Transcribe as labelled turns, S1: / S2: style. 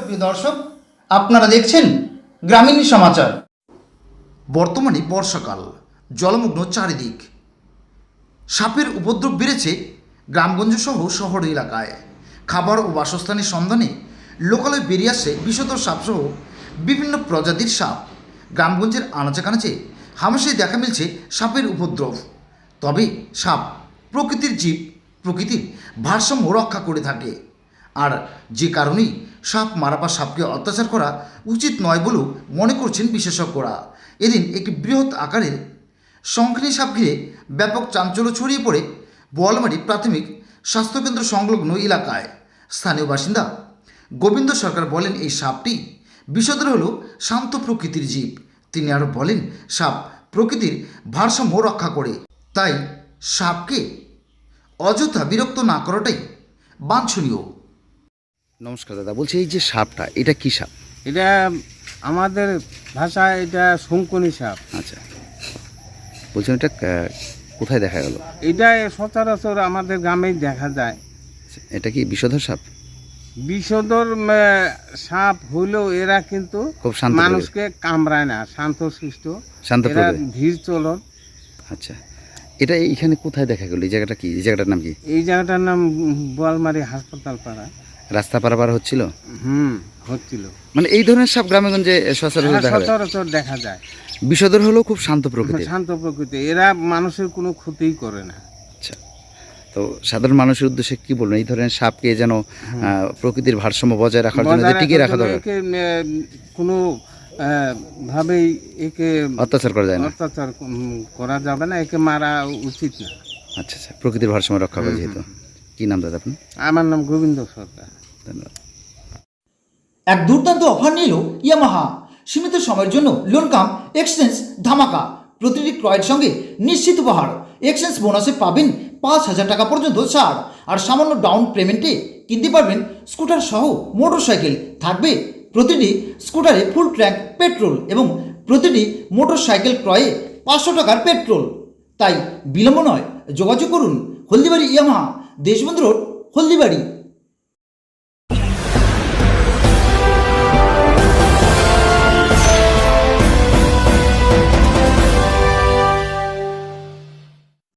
S1: প্রিয় দর্শক, আপনারা দেখছেন গ্রামীণ সমাচার। বর্তমানে বর্ষাকাল, জলমগ্ন চারিদিক। সাপের উপদ্রব বেড়েছে গ্রামগঞ্জ সহ শহর এলাকায়। খাবার ও বাসস্থানের সন্ধানে লোকালয়ে বেরিয়ে আসছে বিষধর সাপসহ বিভিন্ন প্রজাতির সাপ। গ্রামগঞ্জের আনাচে কানাচে হামেশাই দেখা মিলছে সাপের উপদ্রব। তবে সাপ প্রকৃতির জীব, প্রকৃতির ভারসাম্য রক্ষা করে থাকে। আর যে কারণেই সাপ মারা বা সাপকে অত্যাচার করা উচিত নয় বলেও মনে করছেন বিশেষজ্ঞরা। এদিন একটি বৃহৎ আকারের শঙ্খিনী সাপ ঘিরে ব্যাপক চাঞ্চল্য ছড়িয়ে পড়ে বোয়ালমারি প্রাথমিক স্বাস্থ্যকেন্দ্র সংলগ্ন এলাকায়। স্থানীয় বাসিন্দা গোবিন্দ সরকার বলেন, এই সাপটি বিষধর হল শান্ত প্রকৃতির জীব। তিনি আরও বলেন, সাপ প্রকৃতির ভারসাম্য রক্ষা করে, তাই সাপকে অযথা বিরক্ত না করাটাই বাঞ্ছনীয়।
S2: নমস্কার দাদা, বলছি এই যে সাপটা, এটা কি সাপ?
S3: এটা আমাদের ভাষায় এটা শঙ্কুনি সাপ।
S2: আচ্ছা, বলছেন এটা কোথায় দেখা গেল?
S3: এটা সচরাচর আমাদের গ্রামেই দেখা যায়।
S2: এটা কি বিষধর সাপ?
S3: বিষধর সাপ হইলেও এরা কিন্তু
S2: খুব শান্ত
S3: মানুষকে কামড়ায় না, শান্তশিষ্ট,
S2: শান্ত
S3: এরা
S2: প্রকৃতির।
S3: ধীর চলন।
S2: আচ্ছা, এটা এইখানে কোথায় দেখা গেল? এই জায়গাটা কি? এই জায়গাটার নাম কি?
S3: এই জায়গাটার নাম বোয়ালমারি হাসপাতাল পাড়া।
S2: রাস্তা পারাপার হচ্ছিল?
S3: হচ্ছিল।
S2: মানে এই ধরনের সাপ গ্রামেগঞ্জে সচরাচর দেখা যায়?
S3: সচরাচর দেখা যায়।
S2: বিষধর হলেও খুব শান্ত প্রকৃতির।
S3: শান্ত প্রকৃতি, এরা মানুষের কোনো ক্ষতিই করে না।
S2: আচ্ছা, তো সাধারণ মানুষের উদ্দেশ্যে কি বলবেন? এই ধরনের সাপকে যেন প্রকৃতির ভারসাম্য বজায় রাখার জন্য যে টিকিয়ে রাখা দরকার,
S3: কোনো ভাবেই একে
S2: অত্যাচার করা যায় না।
S3: অত্যাচার করা যাবে না, একে মারা উচিত না।
S2: আচ্ছা আচ্ছা, প্রকৃতির ভারসাম্য রক্ষা করে যেহেতু। কি নাম দাদা আপনার?
S3: আমার নাম গোবিন্দ সরকার।
S2: ধন্যবাদ।
S1: এক দুর্দান্ত অফার নিল ইয়ামাহা। সীমিত সময়ের জন্য লোন কাম এক্সচেঞ্জ ধামাকা। প্রতিটি ক্রয়ের সঙ্গে নিশ্চিত উপহার। এক্সচেঞ্জ বোনাসে পাবেন 5,000 টাকা পর্যন্ত ছাড়। আর সামান্য ডাউন পেমেন্টে কিনতে পারবেন স্কুটার সহ মোটর সাইকেল। থাকবে প্রতিটি স্কুটারে ফুল ট্যাঙ্ক পেট্রোল এবং প্রতিটি মোটর সাইকেল ক্রয়ে 500 টাকার পেট্রোল। তাই বিলম্ব নয়, যোগাযোগ করুন হলদিবাড়ি ইয়ামাহা, দেশবন্ধু রোড, হলদিবাড়ি।